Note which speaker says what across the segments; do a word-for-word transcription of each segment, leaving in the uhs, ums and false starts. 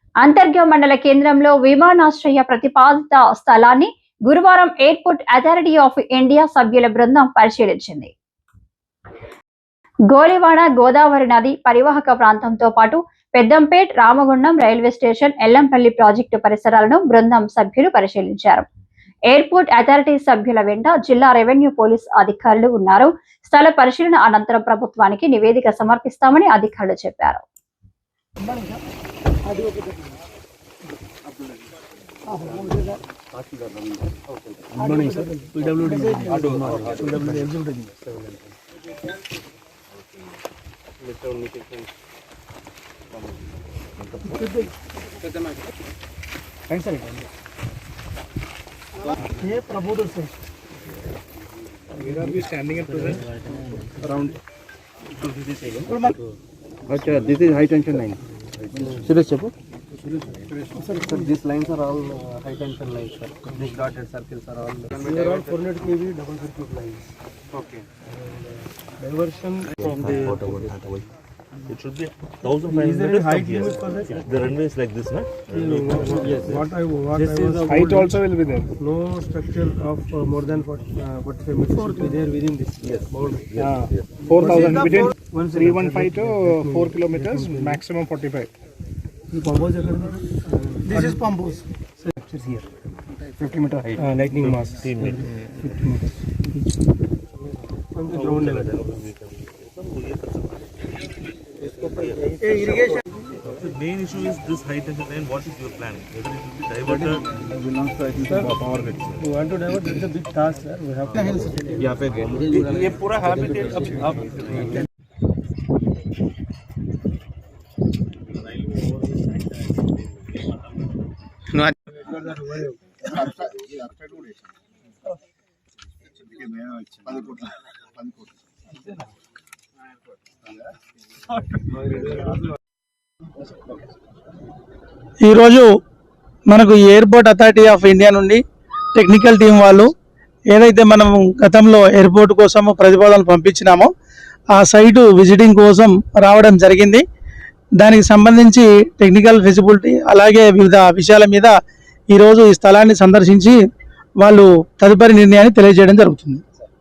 Speaker 1: అంతర్గా మండల కేంద్రంలో విమానాశ్రయ ప్రతిపాదిత స్థలాన్ని గురువారం ఎయిర్పోర్ట్ అథారిటీ ఆఫ్ ఇండియా సభ్యుల బృందం పరిశీలించింది. గోలివాడ గోదావరి నది పరివాహక ప్రాంతంతో పాటు Peddampet, Ramagundam railway station, Yellampalli project పరిసరాలను బృందం సభ్యులు పరిశీలించారు. ఎయిర్పోర్ట్ అథారిటీ సభ్యుల వెంట జిల్లా రెవెన్యూ పోలీస్ అధికారులు ఉన్నారు. స్థల పరిశీలన అనంతరం ప్రభుత్వానికి నివేదిక సమర్పిస్తామని అధికారులు చెప్పారు.
Speaker 2: ये प्रबोधन से we are be standing at present around okay, this is high tension line. Suresh chepu sir, sir, these lines are all uh, high tension lines, sir. These dotted circles are all they are all four hundred kV double circuit lines. Okay. And, uh, diversion from the
Speaker 3: it should be one thousand five hundred meters height limit for that. The runway is like this, na?
Speaker 2: Yes. What I what this I was height also will be there. No structure of uh, more than forty-five meters should be there within this. Yes. Boundary. Yeah. Yes. four thousand between three fifteen to four kilometers, maximum forty-five. The pump house uh, this is pump house. Structures here. fifty meter height. Uh, lightning mass. fifteen meters. From the ground level. Irrigation.
Speaker 3: The main issue is this high tension line. What is your plan? Whether it will be diverted?
Speaker 2: Belongs to I think the power grid. We want to divert. This is a big task, sir. We have to. यहाँ पे ये पूरा habitat अब अब
Speaker 4: ఈరోజు మనకు airport authority of India నుండి technical team వాళ్ళు ఏదైతే మనం గతంలో ఎయిర్పోర్ట్ కోసం ప్రతిపాదనలు పంపించినామో ఆ సైటు విజిటింగ్ కోసం రావడం జరిగింది. దానికి సంబంధించి టెక్నికల్ ఫెసిబిలిటీ అలాగే వివిధ విషయాల మీద ఈరోజు ఈ స్థలాన్ని సందర్శించి వాళ్ళు తదుపరి నిర్ణయాన్ని తెలియజేయడం జరుగుతుంది.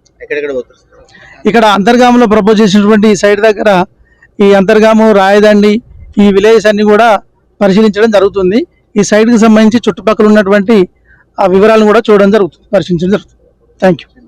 Speaker 4: ఇక్కడ అంతర్గాములో ప్రపోజ్ చేసినటువంటి ఈ సైట్ దగ్గర ఈ అంతర్గాము, రాయదండి, ఈ విలేజెస్ అన్ని కూడా పరిశీలించడం జరుగుతుంది. ఈ సైట్కి సంబంధించి చుట్టుపక్కల ఉన్నటువంటి ఆ వివరాలను కూడా చూడడం జరుగుతుంది, పరిశీలించడం జరుగుతుంది. Thank you.